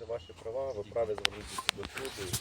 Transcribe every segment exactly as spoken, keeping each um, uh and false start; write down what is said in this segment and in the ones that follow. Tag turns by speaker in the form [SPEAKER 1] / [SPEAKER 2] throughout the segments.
[SPEAKER 1] ваші права, ви праві звернутися до суду.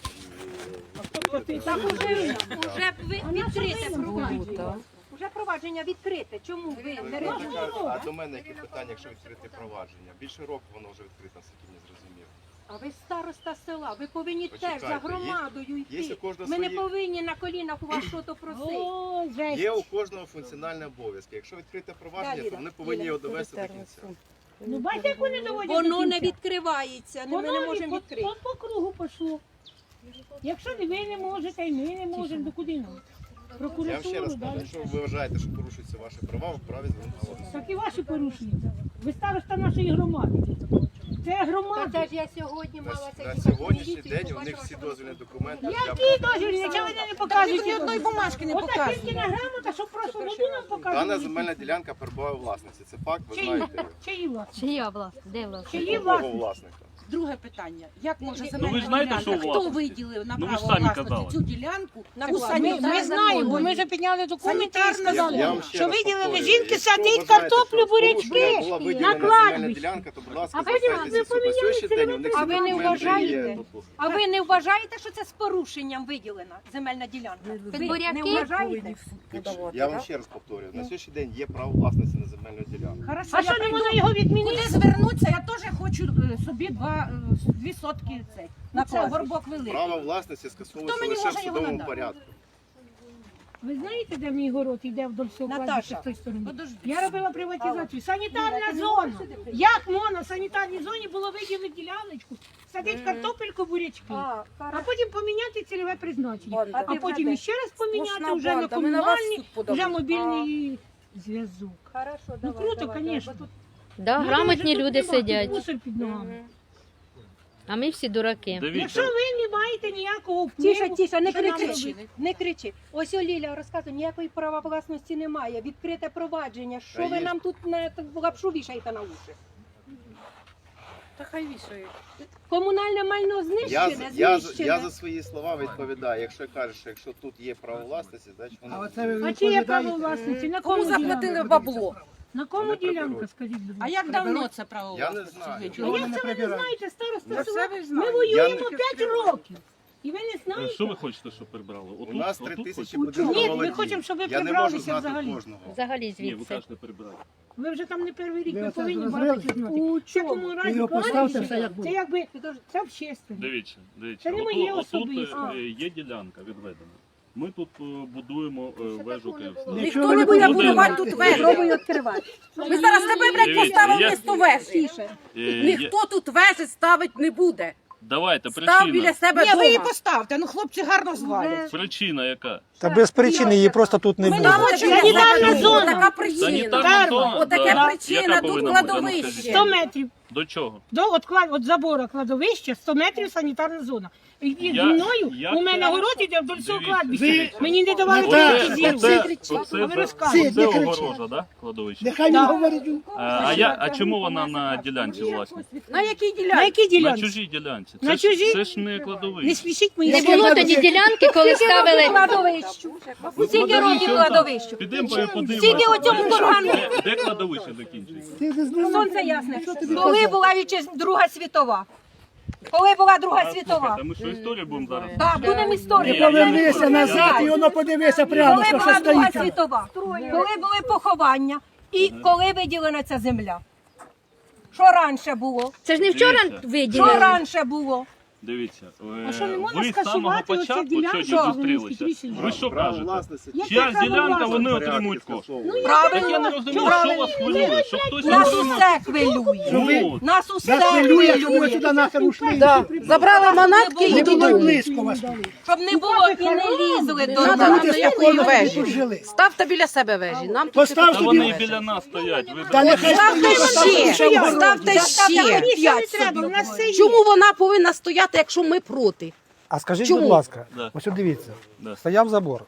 [SPEAKER 1] І...
[SPEAKER 2] Так уже, уже відкрите провадження. Уже провадження відкрите. Чому ви не реагуєте?
[SPEAKER 1] А до мене які питання, якщо відкрити провадження? Більше року воно вже відкрите, наскільки мені зрозуміло.
[SPEAKER 2] А ви староста села, ви повинні
[SPEAKER 1] Почекайте,
[SPEAKER 2] теж за громадою
[SPEAKER 1] є- є
[SPEAKER 2] йти.
[SPEAKER 1] у кожного
[SPEAKER 2] Ми не
[SPEAKER 1] свої-
[SPEAKER 2] повинні на колінах у вас щось просити.
[SPEAKER 1] Є у кожного функціональні обов'язки. Якщо відкрите провадження, то вони повинні його довести до кінця.
[SPEAKER 3] Ну, бачите, як вони доводять
[SPEAKER 2] Воно
[SPEAKER 3] до
[SPEAKER 2] не
[SPEAKER 3] кінця?
[SPEAKER 2] відкривається, ми
[SPEAKER 3] Воно
[SPEAKER 2] не
[SPEAKER 3] від-
[SPEAKER 2] можемо
[SPEAKER 3] от-
[SPEAKER 2] відкрити.
[SPEAKER 3] от по кругу пішло. Якщо ви не можете, і ми не можемо, то куди нам?
[SPEAKER 1] Я вам ще раз
[SPEAKER 3] Прокуратуру,
[SPEAKER 1] кажу,
[SPEAKER 3] далі.
[SPEAKER 1] якщо ви вважаєте, що порушуються ваші права, ви вправі звернутися до суду.
[SPEAKER 3] Так і ваші порушуються. Ви староста нашої громади. Це
[SPEAKER 2] Та
[SPEAKER 3] громада.
[SPEAKER 2] це ж я сьогодні
[SPEAKER 1] На,
[SPEAKER 2] мала це
[SPEAKER 1] на
[SPEAKER 2] їхати
[SPEAKER 1] сьогоднішній
[SPEAKER 2] в міліцію,
[SPEAKER 1] день у них
[SPEAKER 2] побачила,
[SPEAKER 1] всі
[SPEAKER 2] що
[SPEAKER 1] дозвільні документи.
[SPEAKER 3] Які дозвільні? Чого ви не показуєте?
[SPEAKER 4] Ні одної бумажки не
[SPEAKER 3] Ота
[SPEAKER 4] показує.
[SPEAKER 3] тільки на грамота, щоб просто воду нам
[SPEAKER 1] Дана
[SPEAKER 3] показували.
[SPEAKER 1] земельна ділянка перебуває у власниці. Це факт, ви
[SPEAKER 3] Чиї?
[SPEAKER 1] знаєте його.
[SPEAKER 3] Чиї власне?
[SPEAKER 5] Чия власне? Де власне?
[SPEAKER 3] Чиї
[SPEAKER 1] Якого
[SPEAKER 3] власне?
[SPEAKER 1] власника?
[SPEAKER 4] Друге питання. Як може
[SPEAKER 6] Ну,
[SPEAKER 4] земельна
[SPEAKER 6] ви ж знаєте,
[SPEAKER 4] ділянка,
[SPEAKER 6] що у
[SPEAKER 4] хто
[SPEAKER 6] власності?
[SPEAKER 4] виділив на
[SPEAKER 6] Ну, ви ж
[SPEAKER 4] право
[SPEAKER 6] самі
[SPEAKER 4] власності
[SPEAKER 6] казали.
[SPEAKER 4] цю ділянку?
[SPEAKER 2] На
[SPEAKER 4] Це
[SPEAKER 2] власність.
[SPEAKER 3] Ми,
[SPEAKER 4] санітарна
[SPEAKER 3] ми знаємо, бо
[SPEAKER 4] зона.
[SPEAKER 3] ми вже підняли документи і
[SPEAKER 4] Санітарна
[SPEAKER 3] сказали,
[SPEAKER 1] Я вам ще
[SPEAKER 3] що
[SPEAKER 1] раз
[SPEAKER 3] виділили
[SPEAKER 1] повторюю,
[SPEAKER 3] жінки
[SPEAKER 1] якщо
[SPEAKER 3] садить
[SPEAKER 1] вважаєте,
[SPEAKER 3] картоплю,
[SPEAKER 1] що
[SPEAKER 3] бурячки
[SPEAKER 1] порушення була
[SPEAKER 3] на
[SPEAKER 1] виділена земельна
[SPEAKER 3] кладбищі.
[SPEAKER 1] ділянка, то, будь ласка,
[SPEAKER 2] А ви не-
[SPEAKER 1] звертайтеся
[SPEAKER 2] ви
[SPEAKER 1] в суд. На сьогоднішній день у них
[SPEAKER 2] А
[SPEAKER 1] всі
[SPEAKER 2] ви не
[SPEAKER 1] документи
[SPEAKER 2] вважаєте?
[SPEAKER 1] є.
[SPEAKER 2] А ви не вважаєте, що це з порушенням виділена земельна ділянка? Ви
[SPEAKER 5] буряки
[SPEAKER 2] не вважаєте?
[SPEAKER 1] Я вам ще раз повторюю, на сьогоднішній день є право власності на земельну ділянку.
[SPEAKER 4] Хорошо,
[SPEAKER 3] А що
[SPEAKER 4] я
[SPEAKER 3] не
[SPEAKER 4] прийду.
[SPEAKER 3] можна його відмінити?
[SPEAKER 4] Куди звернутися? Я теж хочу е, собі два, е, дві сотки цей. На це горбок великий.
[SPEAKER 1] Право власності скасовується
[SPEAKER 4] Хто мені
[SPEAKER 1] лише в
[SPEAKER 4] може його
[SPEAKER 1] судовому
[SPEAKER 4] надати?
[SPEAKER 1] порядку.
[SPEAKER 3] Ви знаєте, де мій город йде вдоль всього
[SPEAKER 2] Наташа,
[SPEAKER 3] кладбища з тої сторони?
[SPEAKER 4] подожди.
[SPEAKER 3] Я робила приватизацію. Санітарна зона. Як можна в санітарній зоні було виділити діляночку, садити картопельку, бурячки,
[SPEAKER 2] А,
[SPEAKER 3] а потім поміняти цільове призначення,
[SPEAKER 2] А
[SPEAKER 3] а
[SPEAKER 2] ти
[SPEAKER 3] потім
[SPEAKER 2] вже
[SPEAKER 3] іще раз поміняти
[SPEAKER 4] Сплошна
[SPEAKER 3] вже на
[SPEAKER 4] банда. Ми на вас
[SPEAKER 3] комунальний,
[SPEAKER 4] суд подали.
[SPEAKER 3] вже мобільний зв'язок.
[SPEAKER 2] Хорошо,
[SPEAKER 3] Ну
[SPEAKER 2] давай,
[SPEAKER 3] круто,
[SPEAKER 2] давай,
[SPEAKER 3] звісно.
[SPEAKER 2] давай.
[SPEAKER 5] Да, грамотні люди сидять,
[SPEAKER 3] Мусор під ногами.
[SPEAKER 5] а ми всі дураки.
[SPEAKER 3] Якщо
[SPEAKER 6] Дивіться,
[SPEAKER 3] ви не маєте ніякого впливу,
[SPEAKER 2] Тише, тише, не
[SPEAKER 3] що нам
[SPEAKER 2] кричи,
[SPEAKER 3] робити?
[SPEAKER 2] не кричи. Ось о, Ліля розказує, ніякої права власності немає, відкрите провадження. Що
[SPEAKER 1] Та
[SPEAKER 2] ви
[SPEAKER 1] є.
[SPEAKER 2] нам тут на лапшу вішаєте на уші?
[SPEAKER 4] Та хай вішає.
[SPEAKER 2] Комунальне майно
[SPEAKER 1] Я,
[SPEAKER 2] знищене,
[SPEAKER 1] з- я, з-
[SPEAKER 2] знищене.
[SPEAKER 1] я за свої слова відповідаю. Якщо кажеш, що якщо тут є право власності, значить воно...
[SPEAKER 3] А чи є право власності? На
[SPEAKER 4] Кому
[SPEAKER 3] кому
[SPEAKER 4] заплатили
[SPEAKER 3] ділянка?
[SPEAKER 4] бабло?
[SPEAKER 3] На кому
[SPEAKER 1] Вони
[SPEAKER 3] ділянка,
[SPEAKER 1] приберуть.
[SPEAKER 3] скажіть, будь
[SPEAKER 4] А
[SPEAKER 3] ласка?
[SPEAKER 4] як давно це право
[SPEAKER 1] Я не
[SPEAKER 4] власності
[SPEAKER 1] знаю.
[SPEAKER 3] А
[SPEAKER 4] виділено?
[SPEAKER 3] як це ви не знаєте, староста
[SPEAKER 4] Це
[SPEAKER 3] села?
[SPEAKER 4] все ви
[SPEAKER 3] Ми
[SPEAKER 4] знаєте.
[SPEAKER 3] воюємо
[SPEAKER 1] Я
[SPEAKER 3] п'ять років. І ви не знаєте?
[SPEAKER 6] що ви хочете, щоб прибрали?
[SPEAKER 1] У
[SPEAKER 6] Отут,
[SPEAKER 1] нас три
[SPEAKER 6] отут
[SPEAKER 1] тисячі
[SPEAKER 6] хочете?
[SPEAKER 3] Ні,
[SPEAKER 1] будинкових
[SPEAKER 3] ми
[SPEAKER 1] володінь.
[SPEAKER 3] хочемо, щоб ви
[SPEAKER 1] Я не можу
[SPEAKER 3] прибралися
[SPEAKER 1] знати
[SPEAKER 3] взагалі.
[SPEAKER 1] кожного.
[SPEAKER 5] Взагалі
[SPEAKER 6] Ні, ви
[SPEAKER 5] звідси.
[SPEAKER 6] кажете прибрати.
[SPEAKER 3] Ви вже там не перший рік, ви
[SPEAKER 7] Ви оце
[SPEAKER 3] повинні
[SPEAKER 7] зрозуміли?
[SPEAKER 3] багато чого знати.
[SPEAKER 2] У
[SPEAKER 3] В такому разі
[SPEAKER 7] його поставте,
[SPEAKER 3] кладбище,
[SPEAKER 7] все як було.
[SPEAKER 3] це якби, це общественне.
[SPEAKER 6] Дивіться, дивіться.
[SPEAKER 3] Це не
[SPEAKER 6] Отут-
[SPEAKER 3] моє
[SPEAKER 6] отут
[SPEAKER 3] особисте.
[SPEAKER 6] е, є ділянка відведена. Ми тут е, будуємо е, вежу Київську.
[SPEAKER 4] Ніхто не буде будувати тут вежу.
[SPEAKER 2] Пробуй відкривати.
[SPEAKER 4] Ми зараз тебе, блядь,
[SPEAKER 6] Дивіться,
[SPEAKER 4] поставимо
[SPEAKER 6] я-
[SPEAKER 4] місто вежі.
[SPEAKER 2] Тише.
[SPEAKER 6] Е, є-
[SPEAKER 4] Ніхто тут вежі ставить не буде.
[SPEAKER 6] Давайте,
[SPEAKER 4] Став
[SPEAKER 6] причина.
[SPEAKER 4] біля себе
[SPEAKER 8] Ні, ви її
[SPEAKER 4] дома.
[SPEAKER 8] поставте, ну хлопці гарно звалять.
[SPEAKER 6] Причина яка?
[SPEAKER 7] Та без причини її просто тут не
[SPEAKER 4] Ми
[SPEAKER 7] буде.
[SPEAKER 4] там
[SPEAKER 3] Санітарна зона.
[SPEAKER 4] Така причина.
[SPEAKER 6] Санітарна зона?
[SPEAKER 4] Отаке
[SPEAKER 6] Да.
[SPEAKER 4] причина,
[SPEAKER 6] Яка
[SPEAKER 4] тут
[SPEAKER 6] повинна бути? Ну,
[SPEAKER 4] кладовище.
[SPEAKER 6] скажіть.
[SPEAKER 3] сто метрів.
[SPEAKER 6] До чого?
[SPEAKER 3] До от, клад- от забора кладовища сто метрів санітарна зона. І зі
[SPEAKER 6] Я-
[SPEAKER 3] мною
[SPEAKER 6] я
[SPEAKER 3] у мене
[SPEAKER 6] це-
[SPEAKER 3] город іде вдоль всього
[SPEAKER 6] Дивіться.
[SPEAKER 3] кладбища. Мені не давали
[SPEAKER 7] Оце-
[SPEAKER 3] приватизувати.
[SPEAKER 6] Оце, оце,
[SPEAKER 3] А ви
[SPEAKER 6] за-
[SPEAKER 3] розказуєте.
[SPEAKER 6] оце
[SPEAKER 7] Не кричіть.
[SPEAKER 6] огорожа, да? Кладовище?
[SPEAKER 7] Нехай він
[SPEAKER 3] Да.
[SPEAKER 7] говорить.
[SPEAKER 6] А, а, я, а чому вона на ділянці власне?
[SPEAKER 4] На якій
[SPEAKER 3] На
[SPEAKER 4] ділянці?
[SPEAKER 3] якій
[SPEAKER 6] На
[SPEAKER 3] ділянці?
[SPEAKER 6] чужій ділянці. Це,
[SPEAKER 3] На
[SPEAKER 6] ж,
[SPEAKER 3] чужій?
[SPEAKER 6] це ж не
[SPEAKER 3] Не
[SPEAKER 6] кладовище.
[SPEAKER 3] смішіть мої
[SPEAKER 5] Не
[SPEAKER 3] слова.
[SPEAKER 5] було тоді ділянки, коли ставили.
[SPEAKER 2] Кладовищу.
[SPEAKER 6] Ну,
[SPEAKER 2] Скільки років кладовищу?
[SPEAKER 6] Підемо подивимося.
[SPEAKER 2] Скільки у цьому кургану?
[SPEAKER 6] Де, де кладовище закінчується?
[SPEAKER 7] Ти не знаєш.
[SPEAKER 2] Сонце ясне. Коли була вітчизна Друга світова? Коли була Друга
[SPEAKER 6] А,
[SPEAKER 2] світова?
[SPEAKER 6] слухайте, ми що історію будемо зараз?
[SPEAKER 2] Так, будемо історію.
[SPEAKER 6] Ні, я-
[SPEAKER 7] Повернися назад і воно подивися прямо,
[SPEAKER 2] Коли
[SPEAKER 7] що
[SPEAKER 2] була
[SPEAKER 7] що
[SPEAKER 2] Друга
[SPEAKER 7] стоїть. там.
[SPEAKER 2] світова? Коли були поховання? І коли виділена ця земля? Що раніше було?
[SPEAKER 5] Це ж не вчора
[SPEAKER 6] Дивіться.
[SPEAKER 2] Що
[SPEAKER 5] виділили.
[SPEAKER 2] раніше було?
[SPEAKER 6] Дивіться, е,
[SPEAKER 3] А що, не можна
[SPEAKER 6] ви з самого
[SPEAKER 3] скасувати оцю
[SPEAKER 6] початку
[SPEAKER 3] ділянку,
[SPEAKER 6] сьогодні
[SPEAKER 3] що вони
[SPEAKER 6] зустрілися.
[SPEAKER 3] хитріші?
[SPEAKER 6] Ви що
[SPEAKER 1] Право
[SPEAKER 6] кажете?
[SPEAKER 1] власності.
[SPEAKER 6] Чия
[SPEAKER 3] право
[SPEAKER 6] ділянка,
[SPEAKER 3] власності?
[SPEAKER 6] вони
[SPEAKER 1] Порядки
[SPEAKER 6] отримують кошти.
[SPEAKER 1] скасовують.
[SPEAKER 6] Так я не
[SPEAKER 2] Правильно.
[SPEAKER 6] розумію, що вас хвилює, що хтось не
[SPEAKER 2] Нас
[SPEAKER 6] отримав.
[SPEAKER 2] усе хвилює.
[SPEAKER 6] Ну,
[SPEAKER 2] Нас усе
[SPEAKER 7] Нас хвилює, що ви
[SPEAKER 2] хвилює.
[SPEAKER 7] сюди нахер ушли.
[SPEAKER 4] Да. Забрали манатки
[SPEAKER 7] Не
[SPEAKER 4] і
[SPEAKER 7] було й
[SPEAKER 4] додому.
[SPEAKER 7] близько вас тут.
[SPEAKER 2] Щоб не було і не лізли до
[SPEAKER 4] Надо
[SPEAKER 2] нас.
[SPEAKER 7] Люди
[SPEAKER 4] якої
[SPEAKER 7] спокійно собі
[SPEAKER 4] вежі?
[SPEAKER 7] тут жили.
[SPEAKER 4] Ставте біля себе вежі. Нам тут
[SPEAKER 7] Постав
[SPEAKER 6] Та вони і
[SPEAKER 7] собі.
[SPEAKER 6] біля нас стоять. Ви
[SPEAKER 7] Та нехай
[SPEAKER 4] Ставте
[SPEAKER 7] стоїть, постав
[SPEAKER 4] ще,
[SPEAKER 7] ще в городі.
[SPEAKER 4] ставте ще.
[SPEAKER 3] Мені ще не треба, у нас все є.
[SPEAKER 4] Чому вона повинна стояти, якщо ми проти?
[SPEAKER 7] А скажіть,
[SPEAKER 4] Чому?
[SPEAKER 7] будь ласка,
[SPEAKER 6] Да.
[SPEAKER 7] ось от дивіться,
[SPEAKER 6] Да.
[SPEAKER 7] стояв забор.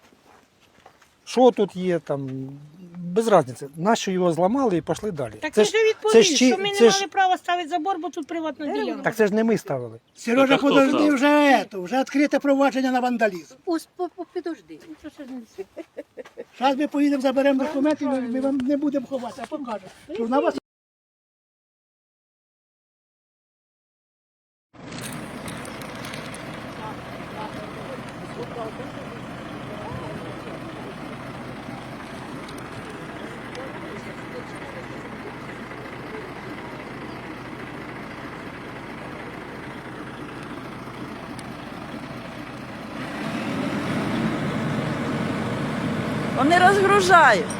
[SPEAKER 7] Що тут є, там, без різниці. Нащо його зламали і пішли далі.
[SPEAKER 3] Так
[SPEAKER 7] Це
[SPEAKER 3] ви
[SPEAKER 7] ж,
[SPEAKER 3] ж відповіли,
[SPEAKER 7] це ж чи-
[SPEAKER 3] що ми не
[SPEAKER 7] це ж-
[SPEAKER 3] мали права ставити забор, бо тут приватна ділянка.
[SPEAKER 7] так це ж не ми ставили.
[SPEAKER 6] Так, а хто
[SPEAKER 7] подожди
[SPEAKER 6] став?
[SPEAKER 7] вже ето, вже відкрите провадження на вандалізм.
[SPEAKER 2] Підожди.
[SPEAKER 7] Зараз ми поїдемо, заберемо документи, ми, ми вам не будемо ховати, а покажемо. Що на вас
[SPEAKER 9] Вони розгружають.